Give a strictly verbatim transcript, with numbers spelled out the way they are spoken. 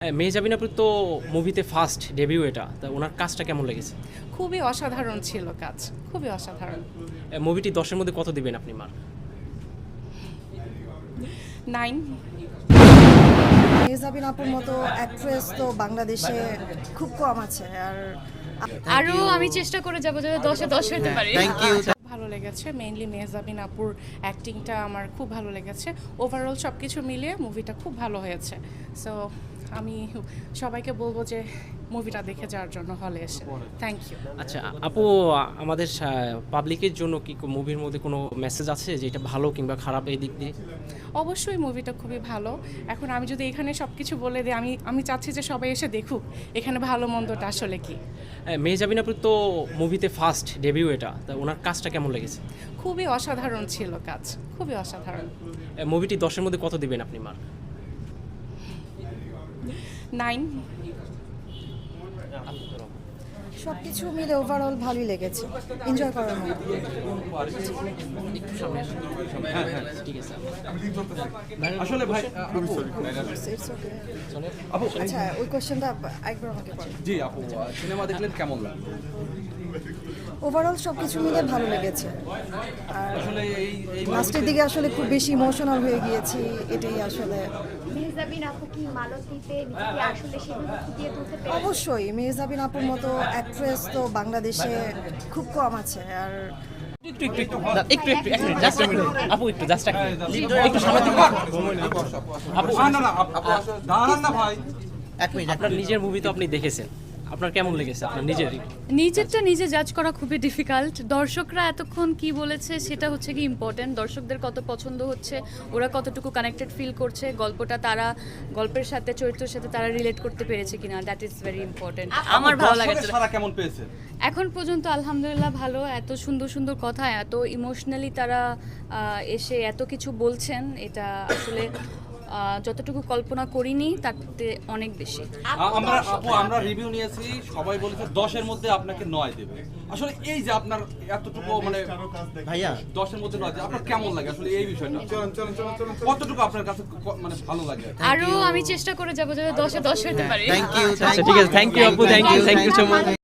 হ্যাঁ, মেহজাবিন আপুর তো মুভিতে ফার্স্ট ডেবিউ এটা। তা ওনার কাজটা কেমন লেগেছে? খুবই অসাধারণ ছিল কাজ, খুবই অসাধারণ। এ, মুভিটি দশের মধ্যে কত দিবেন আপনি মার্ক? নাইন। মেহজাবিন আপুর মতো অ্যাক্ট্রেস তো বাংলাদেশে খুব কম আছে। আর আরো আমি চেষ্টা করে যাবো যাতে দশে দশ হতে পারি। Thank you. ভালো লেগেছে, মেইনলি মেহজাবিন আপুর অ্যাক্টিংটা আমার খুব ভালো লেগেছে। ওভারঅল সব কিছু মিলিয়ে মুভিটা খুব ভালো হয়েছে। সো আমি সবাইকে বলবো যে মুভিটা দেখে যাওয়ার জন্য হলে এসে। Thank you. আচ্ছা আপু, আমাদের পাবলিকের জন্য কি মুভির মধ্যে কোনো মেসেজ আছে যে এটা ভালো কিংবা খারাপ এই দিক দিয়ে? অবশ্যই মুভিটা খুবই ভালো। এখন আমি যদি এখানে সব কিছু বলে দিই, আমি আমি চাচ্ছি যে সবাই এসে দেখুক এখানে ভালো মন্দটা আসলে কি। হ্যাঁ, মেহজাবিন আপুর তো মুভিতে ফার্স্ট ডেবিউ এটা। তা ওনার কাজটা কেমন লেগেছে? খুবই অসাধারণ ছিল কাজ, খুবই অসাধারণ। এ, মুভিটি দশের মধ্যে কত দিবেন আপনি মার্ক? নাইন। সব কিছু মিলে ওভারঅল ভালোই লেগেছে, এনজয় করার মতো। একটু সামনে আসুন। ঠিক আছে। আসলে ভাই আপু It's okay. আপু আচ্ছা, ওই কোশ্চেনটা একবার আমাকে করেন। জি আপু সিনেমা দেখলেন কেমন লাগলো? ওভারঅল সব কিছু মিলে ভালো লেগেছে। আর আসলে এই এই লাস্টের দিকে আসলে খুব বেশি ইমোশনাল হয়ে গিয়েছি, এটাই আসলে। মেহজাবিন আপু কি মালতীতে নিজেকে আসলে সেভাবে ফুটিয়ে তুলতে পেরেছে? অবশ্যই মেহজাবিন আপুর মতো অ্যাক্ট্রেস তো বাংলাদেশে খুব কম আছে। আর একটু একটু একটু একটু একটু এক মিনিট, জাস্ট এক মিনিট আপু, একটু জাস্ট এক মিনিট একটু সামনে থেকে আপু। না না না আপু আসলে দাঁড়ান না ভাই। এক মিনিট আপনার নিজের মুভি তো আপনি দেখেছেন, আপনার কেমন লেগেছে আপনার নিজেরই? নিজেরটা নিজে জাজ করা খুবই ডিফিকাল্ট। দর্শকরা এতক্ষণ কি বলেছে সেটা হচ্ছে কি ইম্পর্টেন্ট। দর্শকদের কত পছন্দ হচ্ছে, ওরা কতটুকু কানেক্টেড ফিল করছে, গল্পটা তারা গল্পের সাথে চরিত্রের সাথে তারা রিলেট করতে পেরেছে কিনা, দ্যাট ইজ ভেরি ইম্পর্টেন্ট। আমার ভালো লাগে। দর্শকের সাড়া কেমন পেয়েছে? এখন পর্যন্ত আলহামদুলিল্লাহ ভালো। এত সুন্দর সুন্দর কথা, এত ইমোশনালি তারা আহ, এসে এত কিছু বলছেন, এটা আসলে আহ, যতটুকু কল্পনা করিনি তাতে অনেক বেশি। আ- আমরা আপু আমরা রিভিউ নিয়েছি, সবাই বলেছে দশের মধ্যে আপনাকে নয় দেবে। আসলে এই যে আপনার এতটুকু মানে ভাইয়া দশের মধ্যে নয় দেবে, আপনার কেমন লাগে আসলে এই বিষয়টা? কতটুকু আপনার কাছে ক- মানে ভালো লাগে? আরো আমি চেষ্টা করে যাবো যাতে দশে দশ হতে পারি। Thank you. আচ্ছা ঠিক আছে, থ্যাংক ইউ আপু, thank you thank you so much.